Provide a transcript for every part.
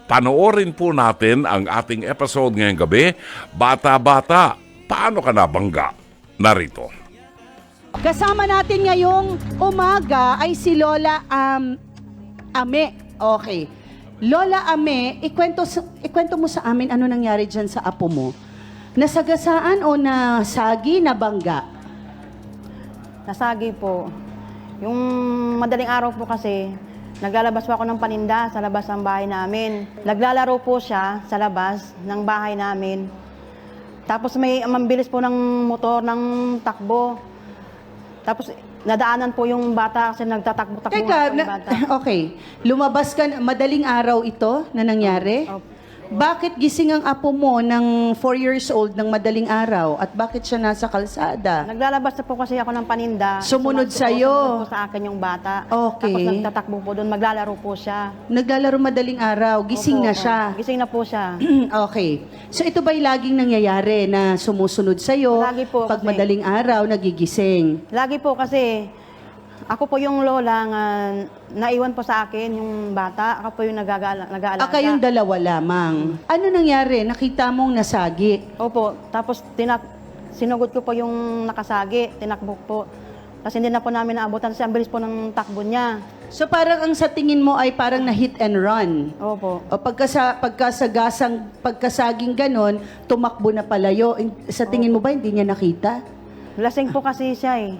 Panoorin po natin ang ating episode ngayong gabi, Bata-Bata, Paano Ka Nabangga? Narito. Kasama natin ngayong umaga ay si Lola Ame. Okay. Lola Ame, ikwento mo sa amin ano nangyari dyan sa apo mo. Nasagasaan o nasagi, nabangga? Nasagi po. Yung madaling araw po kasi, naglalabas po ako ng paninda sa labas ng bahay namin. Naglalaro po siya sa labas ng bahay namin. Tapos may mambilis po ng motor ng takbo. Tapos nadaanan po yung bata kasi nagtatakbo-takbo Teka, yung bata. okay. Lumabas ka, madaling araw ito na nangyari? Opo. Bakit gising ang apo mo ng 4 years old ng madaling araw at bakit siya nasa kalsada? Naglalabas na po kasi ako ng paninda. Sumunod sa'yo. Sumunod po sa akin yung bata. Okay. Tapos nagtatakbo po doon, maglalaro po siya. Naglalaro madaling araw, gising Opo, na siya. Gising na po siya. Okay. So ito ba'y laging nangyayari na sumusunod sa'yo? Lagi po Pag kasi. madaling araw, nagigising. Lagi po kasi, ako po yung lola nga naiwan po sa akin yung bata. Ako po yung nag-aalaga. Kayong dalawa lamang. Ano nangyari? Nakita mong nasagi. Opo, tapos sinugod ko po yung nakasagi, tinakbo po. Kasi hindi na po namin naabutan kasi ang bilis po ng takbo niya. So parang ang sa tingin mo ay parang na hit and run. Opo. O pagkasaging ganon, tumakbo na palayo. Sa tingin mo ba hindi niya nakita? Lasing po kasi siya eh.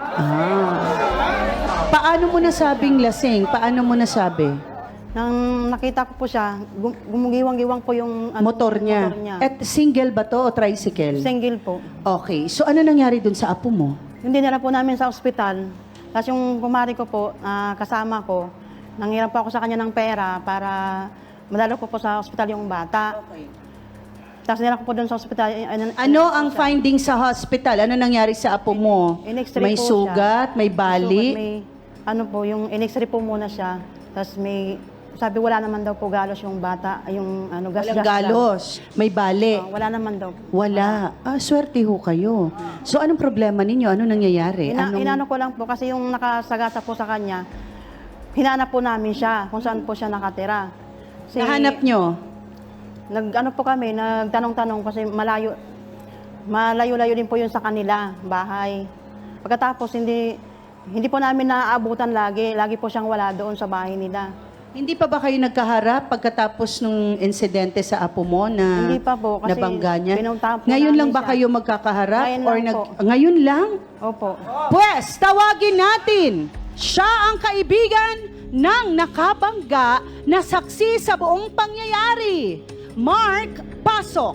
Paano mo nasabing lasing? Paano mo nasabi? Nang nakita ko po siya, gumugiwang-giwang po yung Motor niya. At single ba to o tricycle? Single po. Okay. So ano nangyari dun sa apo mo? Hindi na po namin sa ospital. Tapos yung kumari ko po, kasama ko, nanghiram po ako sa kanya ng pera para madalo ko po sa ospital yung bata. Okay. Tapos nila ko po doon sa ospital. Ano ang findings sa hospital? Ano nangyari sa apo mo? In-X-ray May po sugat? May bali? May, yung in-X-ray po muna siya. Tapos sabi wala naman daw po galos yung bata, yung gas. Walang galos. May bali? Wala naman daw. Wala. Swerte ho kayo. So anong problema ninyo? Ano nangyayari? Inano ko lang po kasi yung nakasagasa po sa kanya, hinanap po namin siya kung saan po siya nakatira. Nahanap nyo? Nag-ano po kami, nagtanong-tanong kasi malayo-layo din po yun sa kanila, bahay. Pagkatapos, hindi po namin naaabutan lagi. Lagi po siyang wala doon sa bahay nila. Hindi pa ba kayo nagkaharap pagkatapos nung insidente sa apo mo na Hindi pa po, kasi nabangga niya? pinuntahan po Ngayon namin lang ba siya. kayo magkakaharap? Ngayon lang po. Ngayon lang? Opo. Pwes, tawagin natin. Siya ang kaibigan ng nakabangga na saksi sa buong pangyayari. Mark, pasok.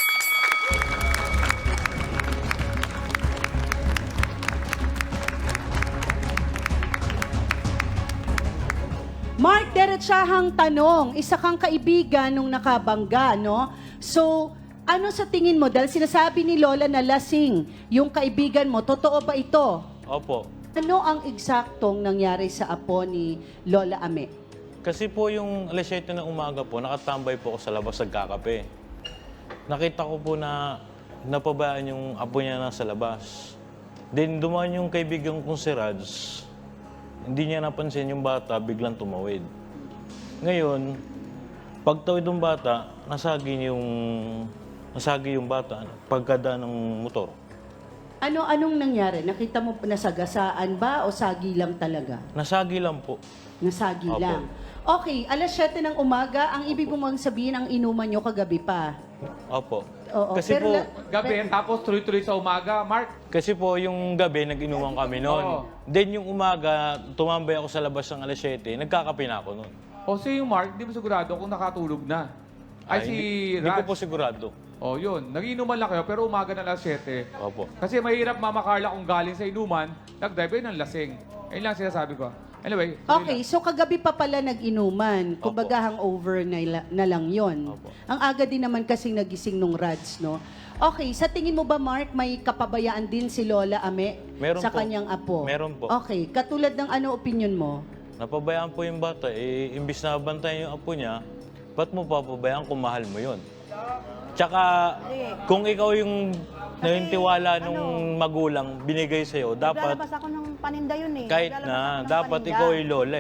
Mark, diretsahang tanong. Isa kang kaibigan nung nakabangga, no? So, ano sa tingin mo? Dahil sinasabi ni Lola na lasing yung kaibigan mo, totoo ba ito? Opo. Ano ang eksaktong nangyari sa apo ni Lola Ame? Kasi po yung alas 7 ng umaga po, nakatambay po ako sa labas nagkakape. Nakita ko po na napabayaan yung apo niya nasa labas. Then dumaan yung kaibigan kong si Raj. Hindi niya napansin yung bata, biglang tumawid. Ngayon, pagtawid ng bata, nasagi yung bata pagkadaan ng motor. Anong nangyari? Nakita mo nasagasaan ba o sagi lang talaga? Nasagi lang po. Nasagi Opo. lang. Okay, alas 7 ng umaga, ang ibig mong sabihin ang inuman nyo kagabi pa. Opo. Oo, Kasi pero po, Gabi, tapos tuloy-tuloy sa umaga. Mark, Kasi po, yung gabi, nag-inuman kami noon. Oo. Then, yung umaga, tumambay ako sa labas ng alas 7, nagkakape na ako noon. o si Mark, di mo sigurado kung nakatulog na. Ay, si Hindi ko Raj. po sigurado. O, yun. Nagiinuman lang kayo, pero umaga na alas 7. Opo. Kasi mahirap, Mama Carla, kung galing sa inuman, nag-drive yun ng lasing. Ayun lang sinasabi ko. Anyway. okay, so kagabi pa pala nag-inuman. Kumbaga hangover na lang yon. Opo. Ang aga din naman kasing nagising nung Rads, no? Okay, sa tingin mo ba, Mark, may kapabayaan din si Lola Ame Meron sa po. kanyang apo? Meron po. Okay, katulad ng ano opinion mo? Napabayaan po yung bata, imbis na bantayan yung apo niya, ba't mo papabayaan kung mahal mo yun? Tsaka, kung ikaw yung naniniwala nung magulang binigay sa'yo, dapat, Naglalabas ako ng paninda yun eh. kahit Naglalabas na, ako ng dapat paninda. ikaw ay lola eh.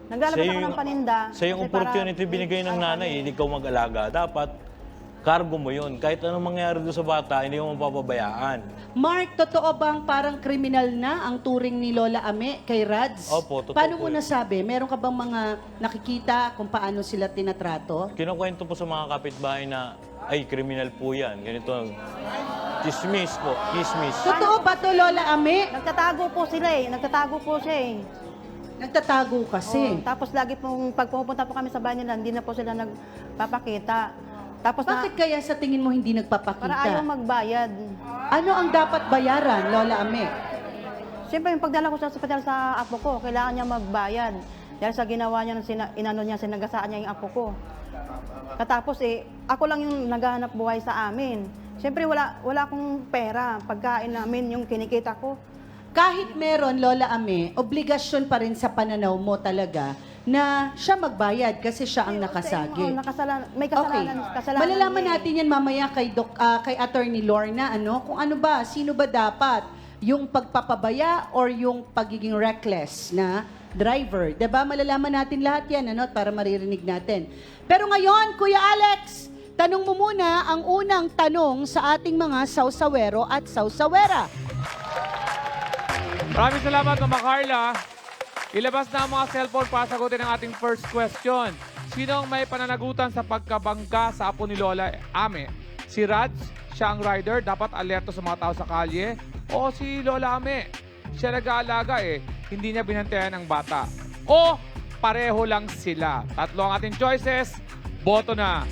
Naglalabas ako ng paninda. Sa yung kasi para- opportunity binigay ng nanay, hindi ikaw mag-alaga. Dapat, cargo mo yun. Kahit anong mangyari doon sa bata, hindi mo mapapabayaan. Mark, totoo bang parang kriminal na ang turing ni Lola Ame kay Rads? Opo, totoo Paano po mo yun. nasabi? Meron ka bang mga nakikita kung paano sila tinatrato? Kinukwento po sa mga kapitbahay na, ay, kriminal po yan. Ganito. Chismis po. Chismis. Totoo ba to, Lola Ame? Nagtatago po sila eh. Nagtatago po siya eh. Nagtatago kasi. Oo, tapos lagi pong pag pumupunta po kami sa bahay nila, hindi na po sila nagpapakita. Tapos Bakit kaya sa tingin mo hindi para ayaw nagpapakita? magbayad. Ano ang dapat bayaran, Lola Ame? Siyempre, yung pagdala ko sa ospital sa apo ko, kailangan niya magbayad. Dahil sa ginawa niya, inano niya, sinagasaan niya yung apo ko. Katapos ako lang yung naghahanap buhay sa amin. Siyempre, wala akong pera. Pagkain namin, yung kinikita ko. Kahit meron, Lola Ame, obligasyon pa rin sa pananaw mo talaga na siya magbayad kasi siya ang nakasagi. Oo, may Okay. kasalanan Malalaman niya eh. natin yan mamaya kay Attorney Lorna, kung ano ba, sino ba dapat yung pagpapabaya or yung pagiging reckless na driver. 'Di ba? Malalaman natin lahat yan, para maririnig natin. Pero ngayon, Kuya Alex, tanong mo muna ang unang tanong sa ating mga sausawero at sausawera. Maraming salamat, Mama Carla. Ilabas na ang mga cellphone para sagutin ang ating first question. Sino ang may pananagutan sa pagkabangga sa apo ni Lola Ame? Si Rads, siya ang rider, dapat alerto sa mga tao sa kalye? O si Lola Ame? Siya nag-aalaga hindi niya binantayan ang bata. O pareho lang sila. Tatlo ang ating choices. Boto na.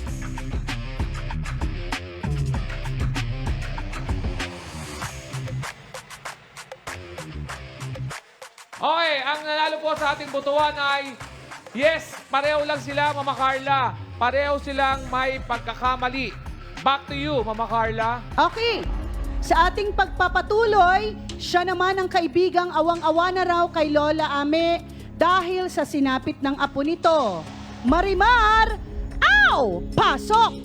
Okay, ang nanalo po sa ating botohan ay yes, pareho lang sila, Mama Carla. Pareho silang may pagkakamali. Back to you, Mama Carla. Okay. Sa ating pagpapatuloy, siya naman ang kaibigang awang-awa na raw kay Lola Ame dahil sa sinapit ng apo nito. Marimar, aw! Pasok!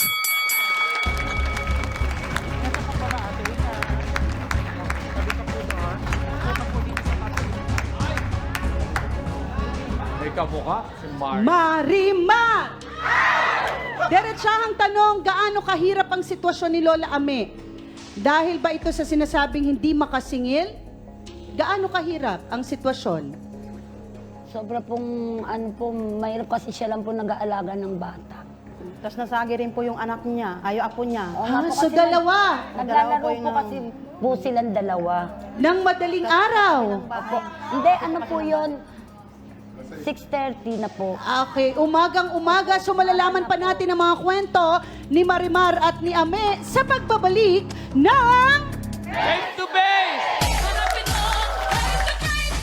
May kamukha, si Mar. Marimar! Diretsahang tanong, gaano kahirap ang sitwasyon ni Lola Ame? Dahil ba ito sa sinasabing hindi makasingil? Gaano kahirap ang sitwasyon? Sobra pong, mahirap kasi siya lang po nag-aalaga ng bata. Tapos nasagi rin po yung anak niya, apo niya. Oo nga po So kasi dalawa, Naglalaro Dalawa po po kasi po silang dalawa. ng madaling araw. Opo. Hindi, ano po yun? 6:30 na po. Okay, umagang-umaga, so malalaman pa natin ang mga kwento ni Marimar at ni Ame sa pagbabalik ng... Face to base! Harapin mo, face to face.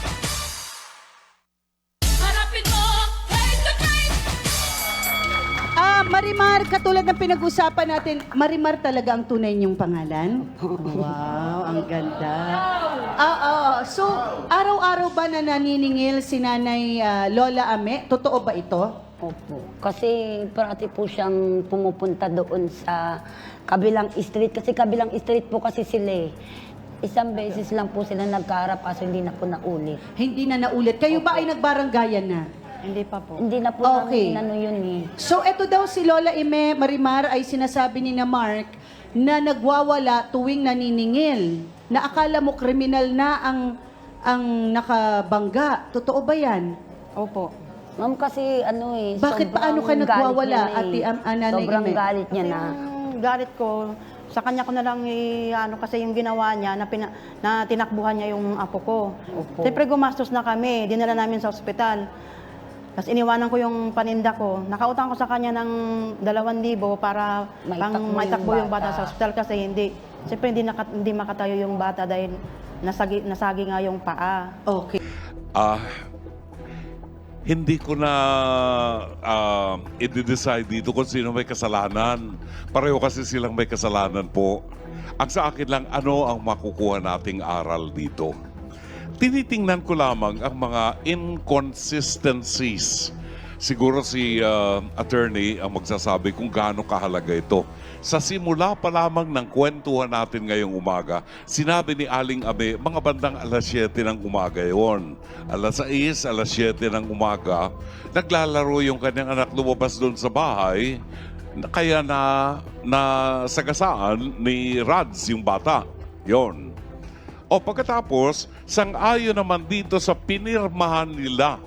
Harapin mo, face to face. Marimar, katulad ng pinag-usapan natin, Marimar talaga ang tunay niyong pangalan? Wow, ang ganda. So, araw-araw ba na naniningil si Nanay Lola Ame? Totoo ba ito? Opo. Kasi parati po siyang pumupunta doon sa kabilang street. Kasi kabilang street po kasi sila eh. Isang beses lang po sila nagkaharap kaso hindi na po naulit. Hindi na naulit. Kayo ba ay nagbaranggayan na? Hindi pa po. Hindi na po Okay. namin yun eh. So, eto daw si Lola Ime Marimar ay sinasabi ni na Mark na nagwawala tuwing naniningil. Na akala mo kriminal na ang nakabangga. Totoo ba yan? Opo. Ma'am kasi Bakit sobrang paano ka galit nagwawala, niya na Ate Nanay Sobrang Ime? galit niya na. Yung galit ko, sa kanya ko na lang kasi yung ginawa niya na tinakbuhan niya yung apo ko. Opo. Siyempre gumastos na kami, dinala namin sa ospital. Tapos iniwanan ko yung paninda ko. Nakautang ko sa kanya ng 2,000 para maitakbo yung bata sa ospital kasi siyempre hindi makatayo yung bata dahil nasagi nga yung paa. Okay. Hindi ko na i-decide dito kung sino may kasalanan. Pareho kasi silang may kasalanan po. Ang sa akin lang, ano ang makukuha nating aral dito? Tinitingnan ko lamang ang mga inconsistencies siguro si attorney ang magsasabi kung gaano kahalaga ito. Sa simula pa lamang ng kwentuhan natin ngayong umaga, sinabi ni Aling Ame, mga bandang alas 7 ng umaga yon. Alas 6, alas 7 ng umaga, naglalaro yung kanyang anak, lumabas doon sa bahay, kaya na sagasaan ni Rads yung bata. Yon. O pagkatapos, sang-ayon naman dito sa pinirmahan nila,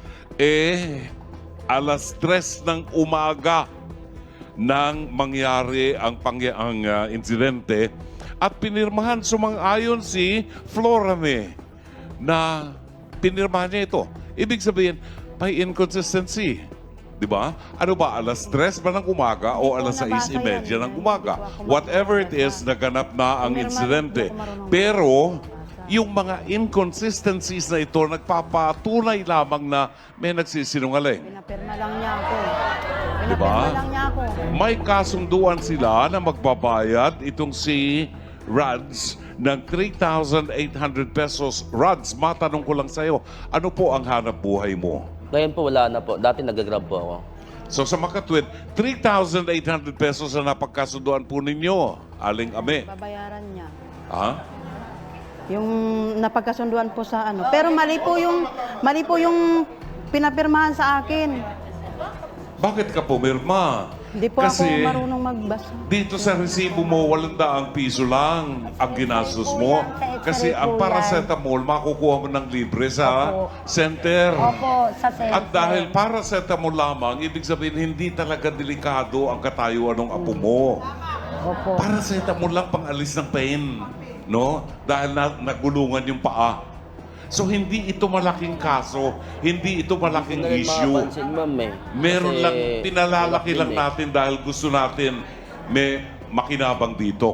alas 3 ng umaga nang mangyari ang insidente at pinirmahan sumang-ayon si Florame na pinirmahan niya ito. Ibig sabihin, may inconsistency. Di ba? Ano ba, alas 3 ba ng umaga o alas 6:30 ng umaga? Whatever it is, naganap na ang insidente. Pero, yung mga inconsistencies na ito, nagpapatunay lamang na may nagsisinungaling. Pinapirma lang niya ako. Diba? Pinapirma lang niya ako. May kasunduan sila na magbabayad itong si Rads ng 3,800 pesos. Rads, matanong ko lang sa'yo, ano po ang hanap buhay mo? Ngayon po wala na po. Dati nag-grab po ako. So sa makatwid, 3,800 pesos na napagkasunduan po ninyo, Aling Ame. Babayaran niya. Ha? Yung napagkasunduan po sa ano. Pero mali po yung pinapirmahan sa akin. Bakit ka pumirma? Hindi po Kasi ako marunong magbasa. dito sa resibo mo, 800 piso lang ang ginastos mo. Kasi ang paracetamol, makukuha mo ng libre sa center. Opo, sa center. At dahil paracetamol lamang, ibig sabihin hindi talaga delikado ang katayuan ng apo mo. Opo. Paracetamol lang pang alis ng pain, no? Dahil nagulungan yung paa. So hindi ito malaking kaso, hindi ito malaking Hindi na rin issue. makapansin, ma'am eh. Meron Kasi lang, pinalalaki hirap lang din eh. natin dahil gusto natin may makinabang dito.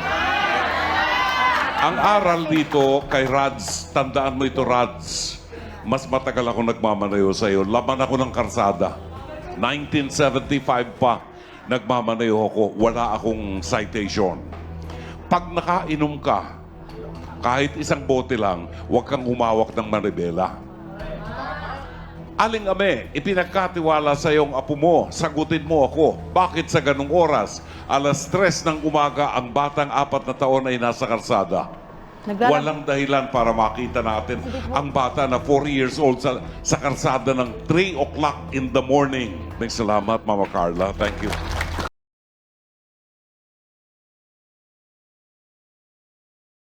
Ang aral dito kay Rads, tandaan mo ito Rads, mas matagal ako nagmamanayo sa iyo. Laban ako ng karsada. 1975 pa, nagmamanayo ako. Wala akong citation. Pag nakainom ka, kahit isang bote lang, huwag kang humawak ng manibela. Aling Ame, ipinagkatiwala sa iyong apo mo, sagutin mo ako. Bakit sa ganung oras? Alas 3 ng umaga, ang batang 4 na taon ay nasa karsada. Walang dahilan para makita natin ang bata na 4 years old sa karsada ng 3 o'clock in the morning. Salamat, Mama Carla. Thank you.